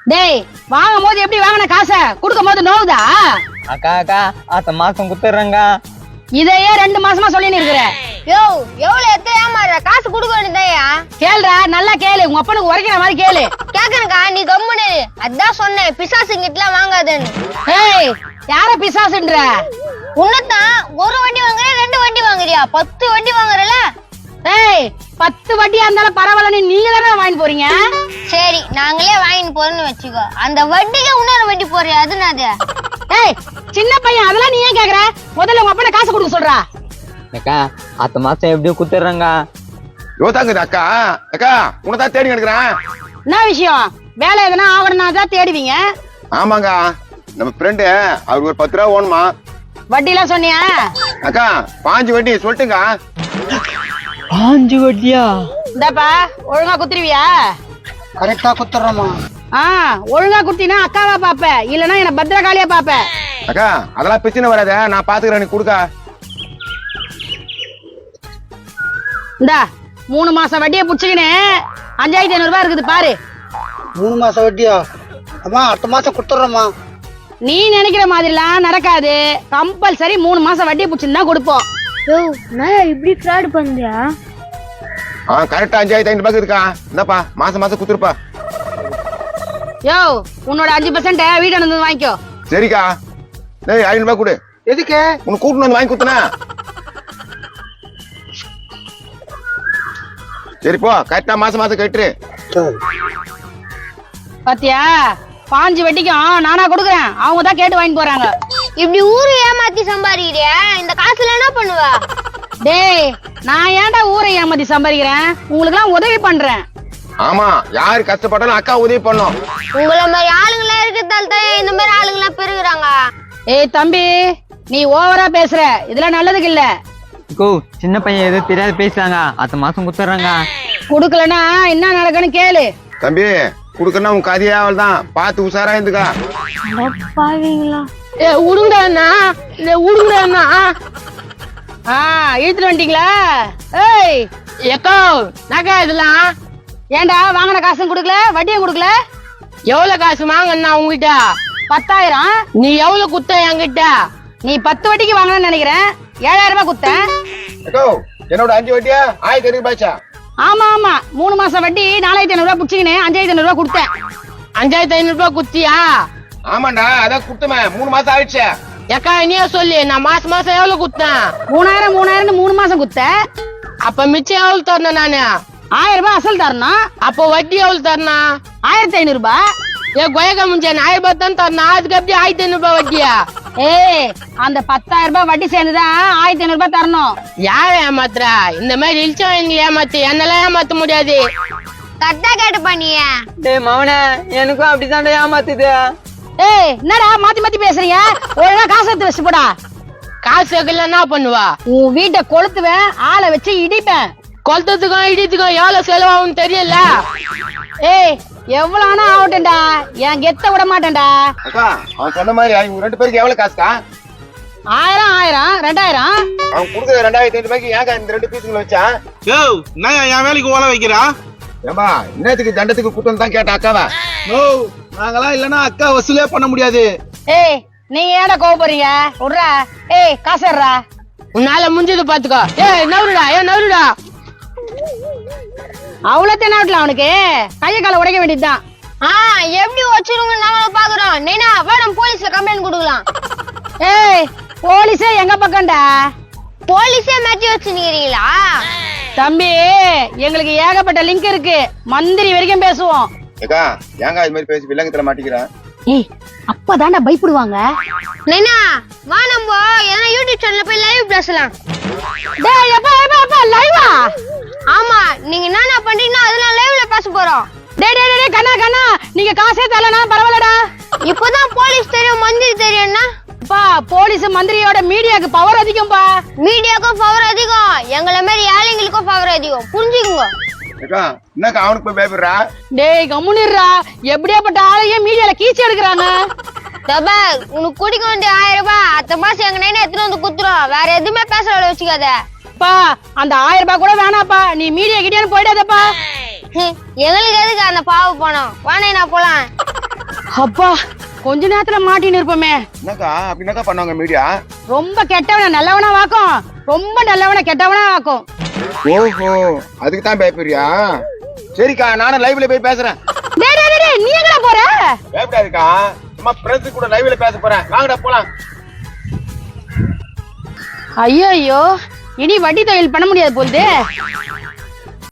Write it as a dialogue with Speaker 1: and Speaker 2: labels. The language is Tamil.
Speaker 1: டேய் வாங்கும் போது எப்படி வாங்கின காசை கொடுக்கும் போது நோவுதா?
Speaker 2: அக்கா அக்கா அடுத்த மாசம் குத்துறேங்க.
Speaker 1: இதையே 2 மாசமா சொல்லின்னு இருக்கிற.
Speaker 3: யோ எவ்வளவு எத்த ஏமாற காசு கொடுக்க வேண்டியதையா?
Speaker 1: கேளுடா, நல்லா கேளு. உங்க அப்பனுக்கு உரைக்கிற மாதிரி கேளு.
Speaker 3: கேக்குறக்கா நீ கம்முனு. அதான் சொன்னேன் பிசாசுங்கிட்டலாம் வாங்காதேன்னு.
Speaker 1: ஏய் யார பிசாசுன்ற?
Speaker 3: உன்னதான் ஒரு வண்டி வாங்குற 2 வண்டி வாங்குறியா? 10 வண்டி வாங்குறல?
Speaker 1: ஏய் 10 வண்டியா இருந்தாலும் பரவாயில்லன்னு நீங்க தானே வாங்கி போறீங்க.
Speaker 3: சரி நாங்களே வாங்கிட்டு போறோம்னு வச்சுக்கோ. அந்த வண்டிக்கு இன்னொரு வண்டி போறியா? அதுனாது.
Speaker 1: ஏய் சின்ன பையன் அதெல்லாம் நீ ஏன் கேக்குற? முதல்ல உங்க அப்பனை காசு கொடுக்க சொல்றா.
Speaker 2: அக்கா அடுத்த மாசம் எப்படியும் குத்துறேங்க.
Speaker 4: யோதாங்குது அக்கா. அக்கா உனதான் தேடி எடுக்கிறேன்.
Speaker 1: என்ன விஷயம்? வேலை எதனா ஆகணும்னா தான் தேடுவீங்க.
Speaker 4: ஆமாங்க, நம்ம ஃப்ரெண்டு அவருக்கு ஒரு 10 ரூபா ஓணுமா.
Speaker 1: வட்டி எல்லாம் சொன்னியா?
Speaker 4: அக்கா 5 வட்டி சொல்லிட்டுங்க.
Speaker 2: 5 வட்டியா?
Speaker 1: இந்தாப்பா ஒழுங்கா குத்துருவியா?
Speaker 5: கரெக்டா குத்துறோமா?
Speaker 1: ஒழுங்கா குத்தினா அக்காவா பாப்ப, இல்லனா என்ன பத்திரகாளியா பாப்ப.
Speaker 4: அக்கா அதெல்லாம் பிரச்சனை வராத, நான் பாத்துக்கிறேன். நீ கொடுக்கா.
Speaker 1: இந்தா 3 மாசம் வட்டியை புடிச்சுக்கினு 5500 ரூபாய் இருக்குது பாரு.
Speaker 5: 3 மாசம் வட்டியா? அம்மா அடுத்த மாசம் குடுத்துறோமா?
Speaker 1: நீ நினைக்கிற மாதிரிலாம் நடக்காது. கம்பல்சரி 3 மாசம் வட்டியை புடிச்சுன்னு தான் கொடுப்போம்.
Speaker 3: யோ நான் இப்படி ஃப்ராட் பண்றியா?
Speaker 4: கரெக்டா 5500 ரூபாய் இருக்கா. இந்தாப்பா மாசம் மாசம் குத்துருப்பா.
Speaker 1: யோ உன்னோட 5% வீட்டு வந்து வாங்கிக்கோ.
Speaker 4: சரிக்கா. டேய் 500 ரூபாய் கொடு.
Speaker 5: எதுக்கு?
Speaker 4: உனக்கு கூட்டு வந்து வாங்கி குத்துனா. சரி போ, கரெக்டா மாசம் மாசம் கட்டுரு.
Speaker 1: பாத்தியா 5 வட்டிக்கும் நானா கொடுக்குறேன், அவங்க தான் கேட்டு வாங்கி போறாங்க.
Speaker 3: இப்படி ஊரு ஏமாத்தி சம்பாதிக்கிறியா? இந்த காசுல என்ன பண்ணுவ?
Speaker 1: டேய் நான் ஏன்டா ஊரை ஏமாத்தி சம்பாதிக்கிறேன்? உங்களுக்கு எல்லாம் உதவி பண்றேன்.
Speaker 4: ஆமா, யாரு கஷ்டப்பட்டாலும் அக்கா உதவி பண்ணும்.
Speaker 3: உங்கள மாதிரி ஆளுங்களா இருக்கிறதால தான் இந்த மாதிரி ஆளுங்களா பெருகுறாங்க.
Speaker 1: ஏய் தம்பி நீ ஓவரா பேசுற, இதெல்லாம் நல்லதுக்கு இல்ல.
Speaker 2: கோ சின்ன பையன் ஏதோ தெரியாது பேசுறாங்க. அடுத்த மாசம் குத்துறேங்க.
Speaker 1: குடுக்கலனா என்ன நடக்குன்னு கேளு.
Speaker 4: தம்பி குடுக்கணும் உன் கதையே அவள் தான், பார்த்து உஷாரா இருந்துக்கா.
Speaker 1: உடுங்கண்ணா உடுங்கண்ணா. இழுத்துட்டு வந்துட்டீங்களா? ஏய் எக்கோ நகை இதெல்லாம் ஏன்டா வாங்கின காசும் கொடுக்கல, வட்டியும் கொடுக்கல? எவ்வளவு காசு வாங்கண்ணா உங்ககிட்ட? 10,000. நீ எவ்வளவு குத்த என்கிட்ட? நீ 10 வட்டிக்கு வாங்கணும்னு நினைக்கிறேன். 7,000 ரூபாய் குத்த.
Speaker 4: என்னோட 5 வட்டியா 1500 ரூபாய்ச்சா?
Speaker 1: ஆமா ஆமா 3 மாசம் வட்டி 4,500 ரூபாய் புடிச்சுக்கினு 5,500 ரூபாய் கொடுத்தேன். 5,500 ரூபாய் குத்தியா?
Speaker 4: ஆமாண்டா, அதான் குத்துமே. 3 மாசம் ஆயிடுச்சு.
Speaker 1: ஏக்கா நீயே சொல்லு, நான் மாசம் மாசம் எவ்வளவு குத்தேன்? 3,000 3 மாசம் குத்த. அப்ப மிச்சம் எவ்வளவு தரணும்? நானு 1,000 ரூபாய் அசல் தரணும். அப்போ வட்டி எவ்வளவு தரணும்? 1,500 ரூபாய். கொயக்க முடிஞ்சேன் 1,000 ரூபாய் தான் தரணும். அதுக்கு எப்படி 1,500 ரூபாய் வட்டியா? ஏய் அந்த 10,000 ரூபாய் வட்டி சேர்ந்துதான் 1,500 ரூபாய் தரணும். யார ஏமாத்துறா? இந்த மாதிரி இழிச்சவங்க ஏமாத்து, என்னெல்லாம் ஏமாத்த முடியாது.
Speaker 3: கரெக்டா கேட்டு பண்ணிய.
Speaker 2: டேய் மவனே எனக்கும் அப்படிதான் ஏமாத்துது.
Speaker 1: ஏய் என்னடா மாத்தி மாத்தி பேசுறீங்க? ஒழுங்கா காசு எடுத்து வச்சு போடா. காசு வைக்கல என்ன பண்ணுவா? உன் வீட்டை கொளுத்துவேன், ஆளை வச்சு இடிப்பேன். கொளுத்ததுக்கும் இடித்துக்கும் எவ்வளவு செலவாகும் தெரியல. ஏய் எவ்வளவு ஆனா ஆகட்டும்டா, என் கெத்த விட மாட்டேன்டா.
Speaker 4: அக்கா அவன் சொன்ன மாதிரி அவங்க 2 பேருக்கு எவ்வளவு காசுக்கா?
Speaker 1: 1000 2,000.
Speaker 4: அவன் கொடுக்குற 2,500 ரூபாய்க்கு ஏங்க இந்த 2 பீஸுங்களை வச்சா?
Speaker 6: யோ நான் என் வேலைக்கு ஓலை வைக்கிறா?
Speaker 4: ஏமா இன்னத்துக்கு தண்டத்துக்கு கூட்டம் தான் கேட்ட அக்காவா?
Speaker 6: நோ நாங்களாம் இல்லன்னா அக்கா வசூலே பண்ண முடியாது.
Speaker 1: ஏய் நீங்க ஏன்டா கோவப்படுறீங்க? விட்றா. ஏய் காசுறா, உன்னால முடிஞ்சது பாத்துக்கோ. ஏய் நவுருடா, நவுருடா. அவ்வளவு நாட்டுல அவனுக்கு கைய கால உடைக்க வேண்டியதுதான்.
Speaker 3: எப்படி வச்சிருங்க நாம பாக்குறோம். நைனா வா நம்ம போலீஸ்ல கம்ப்ளைண்ட் கொடுக்கலாம்.
Speaker 1: ஏய் போலீஸே எங்க பக்கம்டா?
Speaker 3: போலீஸே மாட்டி வச்சுக்கிறீங்களா?
Speaker 1: தம்பி எங்களுக்கு ஏகப்பட்ட லிங்க் இருக்கு, மந்திரி வரைக்கும் பேசுவோம்.
Speaker 4: ஏக்கா ஏங்க இது மாதிரி பேசி வில்லங்கத்துல மாட்டிக்கிறேன்.
Speaker 1: ஏய் அப்பதான்டா பயப்படுவாங்க.
Speaker 3: நைனா வா நம்ம எதனா யூடியூப் சேனல்ல போய் லைவ் பேசலாம்.
Speaker 1: டேய் எப்பா லைவா?
Speaker 3: ஆமா நீங்க என்னென்ன பண்றீங்கன்னா அதெல்லாம் லைவ்ல பேச போறோம்.
Speaker 1: டேய் கண்ணா நீங்க காசே தரலனா பரவாயில்லடா.
Speaker 3: இப்போதான் போலீஸ் தெரியும் மந்திரி தெரியும்னா?
Speaker 1: பா போலீஸ் மந்திரியோட மீடியாக்கு பவர் அதிகம்பா.
Speaker 3: மீடியாக்கும் பவர் அதிகம், எங்களை மாதிரி ஏழைங்களுக்கும் பவர் அதிகம், புரிஞ்சுக்குங்க.
Speaker 4: ஏக்கா என்னக்கா அவனுக்கு போய் பயப்படுறா?
Speaker 1: டேய் கம்முனிடுறா, எப்படியாப்பட்ட ஆளையே மீடியால கீச்சு எடுக்கிறாங்க.
Speaker 3: தபா உனக்கு குடிக்க வேண்டிய 1000 ரூபாய் அடுத்த மாசம் எங்க நைனா எடுத்துட்டு வந்து குத்துறோம். வேற எதுவுமே பேச வச்சுக்காத.
Speaker 1: பா அந்த 1000 ரூபாய் கூட வேணாப்பா, நீ மீடியா கிட்டே போயிடாதப்பா.
Speaker 3: எங்களுக்கு எதுக்கு அந்த பாவ பணம்? வானே நான் போலாம்.
Speaker 1: அப்பா கொஞ்ச நேரத்துல மாட்டின்னு இருப்போமே.
Speaker 4: என்னக்கா அப்படின்னாக்கா பண்ணுவாங்க மீடியா?
Speaker 1: ரொம்ப கெட்டவன நல்லவனா வாக்கும், ரொம்ப நல்லவன கெட்டவனா வாக்கும்.
Speaker 4: ஓஹோ, அதுக்கு தான் பயப்படுறியா? சரிக்கா, நானும் லைவ்ல போய் பேசுறேன்.
Speaker 1: டேய் டேய் டேய், நீ எங்கடா போற?
Speaker 4: பயப்படாதுக்கா, சும்மா ஃப்ரெண்ட்ஸ் கூட லைவ்ல பேச போறேன். வாங்கடா போலாம்.
Speaker 1: ஐயோ, இனி வட்டி தொழில் பண்ண முடியாது போகுது.